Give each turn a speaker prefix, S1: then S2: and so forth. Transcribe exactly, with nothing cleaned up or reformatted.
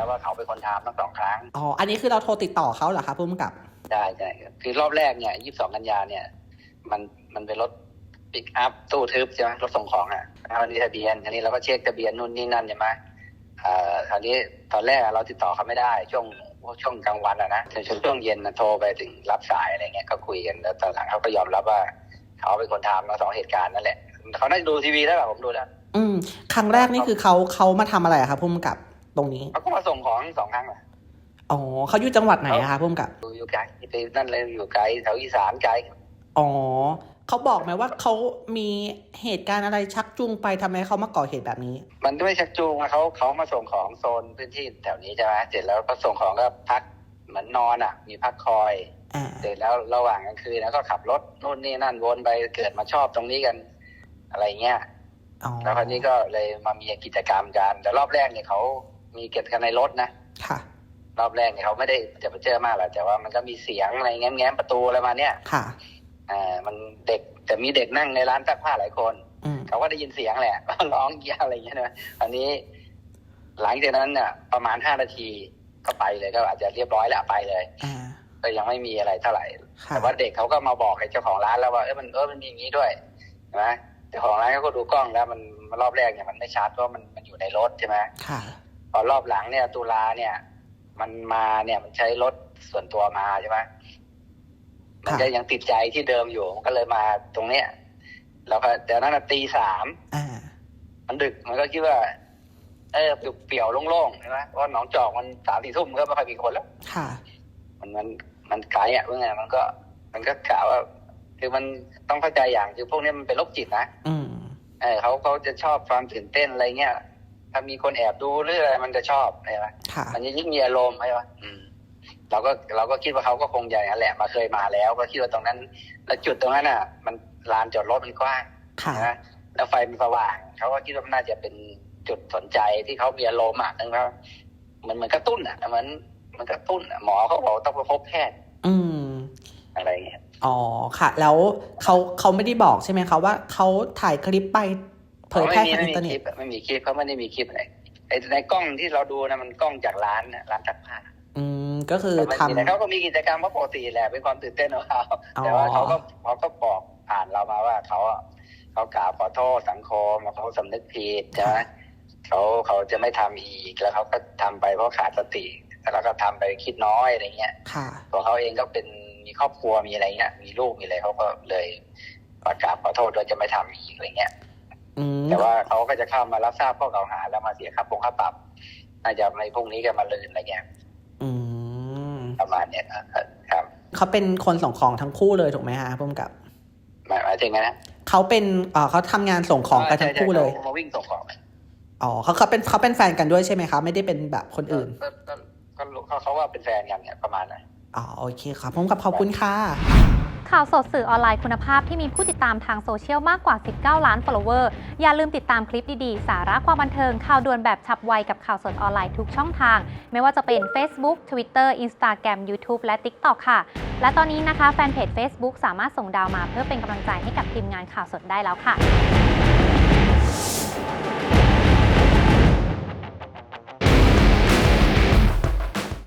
S1: แล้วว่าเขาเป็นคนทำทั้งสองครั้ง
S2: อ๋ออันนี้คือเราโทรติดต่อเขาเหรอคะผู้กำกับ
S1: ใช่ใช่คือรอบแรกเนี่ยยี่สิบสองกันยาเนี่ยมันมันเป็นรถปิกอัพตู้ทึบใช่ไหมรถส่งของอ่ะอันนี้ทะเบียนอันนี้เราก็เช็คทะเบียนนู่นนี่นั่นใช่ไหมอ่าคราวนี้ตอนแรกเราติดต่อเขาไม่ได้ช่วงช่วงกลางวันอ่ะนะช่วงช่วงเย็นนะโทรไปถึงรับสายอะไรเงี้ยก็คุยกันแล้วตอนหลังเขาก็ยอมรับว่าเขาเป็นคนทำมาสองเหตุการณ์นั่นแหละเขาได้ดูทีวีแล้วแบบผมดูแล้ว
S2: อืมครั้งแรกนี่คือเขาเขามาทำอะไรครับผู้กำกับตรงนี้
S1: เขาก็มาส่งของสองครั้งแหละ
S2: อ๋อเขาอยู่จังหวัดไหนอะคะผู้กำกับ
S1: อยู่ไกลไปนั่นเลยอยู่ไกลแถวอีสานไกล
S2: อ๋อเขาบอกไหมว่าเขามีเหตุการณ์อะไรชักจูงไปทำไมเขามาก่อเหตุแบบนี้
S1: มันไม่ชักจูงเขาเขามาส่งของโซนพื้นที่แถวนี้ใช่ไหมเสร็จแล้วก็ส่งของก็พักเหมือนนอนอ่ะมีพักคอยเสร็จแล้วระหว่างกลางคืนแล้วก็ขับรถนู่นนี่นั่นวนไปเกิดมาชอบตรงนี้กันอะไรเงี้ยแล้วคราวนี้ก็เลยมามีกิจกรรมกันแต่รอบแรกเนี่ยเขามีเก็บกันในรถนะ
S2: ค่ะ
S1: รอบแรกเนี่ยเขาไม่ได้จะไปเจอมากหรอกแต่ว่ามันก็มีเสียงอะไรแง้มๆประตูอะไรมาเนี่ย
S2: ค่ะ
S1: อ่ามันเด็กแต่มีเด็กนั่งในร้านซักผ้าหลายคนเขาก็ได้ยินเสียงแหละร้องเยี่ยอะไรอย่างเงี้ยนะอันนี้หลังจากนั้นเนี่ยประมาณห้านาทีก็ไปเลยก็อาจจะเรียบร้อยแล้วไปเลยก็ยังไม่มีอะไรเท่าไหร่แต่ว่าเด็กเขาก็มาบอกให้เจ้าของร้านแล้วว่าเออมันเออมันมีอย่างนี้ด้วยใช่ไหมเจ้าของร้านเขาก็ดูกล้องแล้วมันรอบแรกเนี่ยมันไม่ชัดเพราะมันมันอยู่ในรถใช่ไหมพอรอบหลังเนี่ยตุลาเนี่ยมันมาเนี่ยมันใช้รถส่วนตัวมาใช่ไหมมันจะยังติดใจที่เดิมอยู่ก็เลยมาตรงเนี้ยแล้วก็แต่นั้นตีสามมันดึกมันก็คิดว่าเออเปลี่ยวๆโล่งๆใช่ไหมเพราะหนองจอกมันสามสี่ทุ่มก็ไม่ค่อยมีคนแล้ว
S2: ค่ะ
S1: มันมันมันไกลอ่ะเมื่อไงมันก็มันก็กล่าวว่าคือมันต้องเข้าใจอย่างคือพวกนี้มันเป็นโรคจิตนะ
S2: อืม
S1: เออเขาเขาจะชอบความตื่นเต้นอะไรเงี้ยถ้ามีคนแอบดูหรืออะไรมันจะชอบใช่ไหมมันจะยิ่งมีอารมณ์ใช่ไหมอืมเราก็เราก็คิดว่าเขาก็คงอย่างนั้นแหละมาเคยมาแล้วก็คิดว่าตรงนั้นแล้วจุดตรงนั้นอ่ะมันลานจอดรถมันกว้างนะแล้วไฟมันสว่างเขาก็คิดว่ามันน่าจะเป็นจุดสนใจที่เขามีอารมณ์อ่ะนั่นก็มันเหมือนกระตุ้นอ่ะเหมือนมันกระตุ้นอ่ะหมอเขาบอกต้องไปพบแพทย์
S2: อืม
S1: อะไรเงี้ย
S2: อ๋อค่ะแล้วเขาเขาไม่ได้บอกใช่ไหมคะว่าเขาถ่ายคลิปไปเผยแพร่ทางอินเทอร์เน็ต
S1: ไม่มีคลิปเขาไม่ได้มีคลิปอะไรไอ้ในกล้องที่เราดูนะมันกล้องจากร้านร้านซักผ้า
S2: อืมก็คือทำ
S1: เขาก็มีกิจกรรมปกติแหละเป็นความตื่นเต้นของเขาแต่ว่าเขาก็เขาก็บอกผ่านเรามาว่าเขาเขากราบขอโทษสังคมเขาสำนึกผิดใช่ไหมเขาเขาจะไม่ทำอีกแล้วเขาก็ทำไปเพราะขาดสติแล้วก็ทำไปคิดน้อยอะไรเงี้ยตัวเขาเองก็เป็นมีครอบครัวมีอะไรเงี้ยมีลูกมีอะไรเขาก็เลยประกาศขอโทษโดยจะไม่ทำอีกอะไรเงี้ยแต่ว่าเขาก็จะเข้ามารับทราบข้อกล่าวหาแล้วมาเสียค่าปงค่าปรับน่าจะในพรุ่งนี้กันมาลืนอะไรเงี้ยประมาณเนี้ยครับ
S2: เขาเป็นคนส่งของทั้งคู่เลยถูกไหมฮะพุ่มกับ
S1: หมายหมายถึงไงนะ
S2: เขาเป็นเอ่อเขาทำงานส่งของกันทั้งคู่เลย
S1: มาวิ่งส่งของ
S2: อ๋อเขาเขาเป็นเขาเป็นแฟนกันด้วยใช่ไหมคะไม่ได้เป็นแบบคนอื่น
S1: ก็ก็เขาเขาว่าเป็นแฟนกันเนี่ยประมาณนั้น
S2: อ๋อโอเคครับพุ่มกับขอบคุณค่ะ
S3: ข่าวสดสื่อออนไลน์คุณภาพที่มีผู้ติดตามทางโซเชียลมากกว่าสิบเก้าล้าน follower อย่าลืมติดตามคลิปดีๆสาระความบันเทิงข่าวด่วนแบบฉับไวกับข่าวสดออนไลน์ทุกช่องทางไม่ว่าจะเป็น Facebook Twitter Instagram YouTube และ TikTok ค่ะและตอนนี้นะคะแฟนเพจ Facebook สามารถส่งดาวมาเพื่อเป็นกำลังใจให้กับทีมงานข่าวสดได้แล้วค่ะ